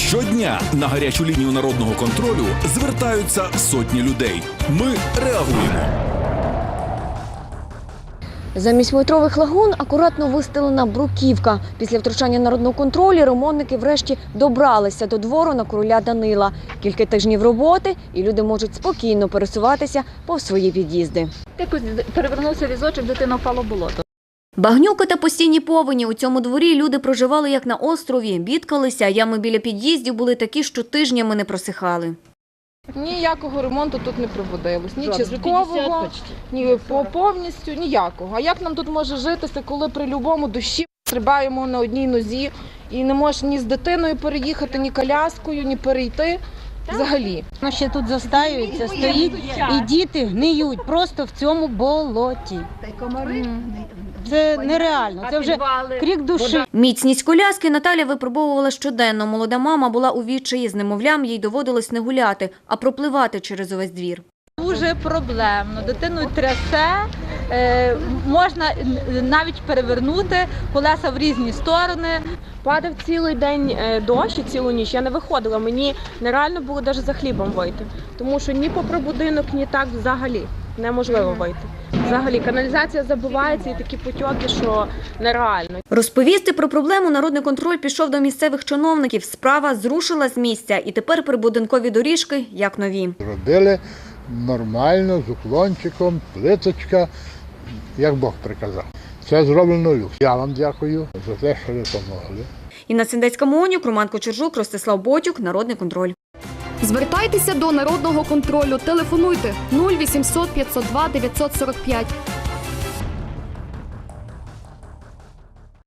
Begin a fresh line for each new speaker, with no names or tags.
Щодня на гарячу лінію народного контролю звертаються сотні людей. Ми реагуємо.
Замість метрових лагун акуратно вистелена бруківка. Після втручання народного контролю ремонтники врешті добралися до двору на короля Данила. Кілька тижнів роботи і люди можуть спокійно пересуватися повз свої під'їзди.
Якось перевернувся візочок, дитина впала в болото.
Багнюки та постійні повені. У цьому дворі люди проживали як на острові, бідкалися, ями біля під'їздів були такі, що тижнями не просихали.
Ніякого ремонту тут не проводилось, ні часткового, ні повністю, ніякого. А як нам тут може житися, коли при будь-якому дощі стрибаємо на одній нозі і не можеш ні з дитиною переїхати, ні коляскою, ні перейти взагалі.
Воно ще тут застаюється, стоїть і діти гниють просто в цьому болоті. Це нереально, це вже крик душі.
Міцність коляски Наталя випробовувала щоденно. Молода мама була у відчаї з немовлям, їй доводилось не гуляти, а пропливати через увесь двір.
Дуже проблемно. Дитину трясе, можна навіть перевернути колеса в різні сторони.
Падав цілий день дощ і цілу ніч. Я не виходила, мені нереально було навіть за хлібом вийти. Тому що ні попри будинок, ні так взагалі неможливо вийти. Взагалі каналізація забивається і такі потьоки, що нереально.
Розповісти про проблему народний контроль пішов до місцевих чиновників. Справа зрушила з місця і тепер прибудинкові доріжки як нові.
Робили нормально, з уклончиком, плиточка, як Бог приказав. Це зроблено люкс. Я вам дякую за те, що ви допомогли.
Інна Сендецька-Монюк, Роман Кочержук, Ростислав Ботюк, Народний контроль.
Звертайтеся до Народного контролю. Телефонуйте 0800 502 945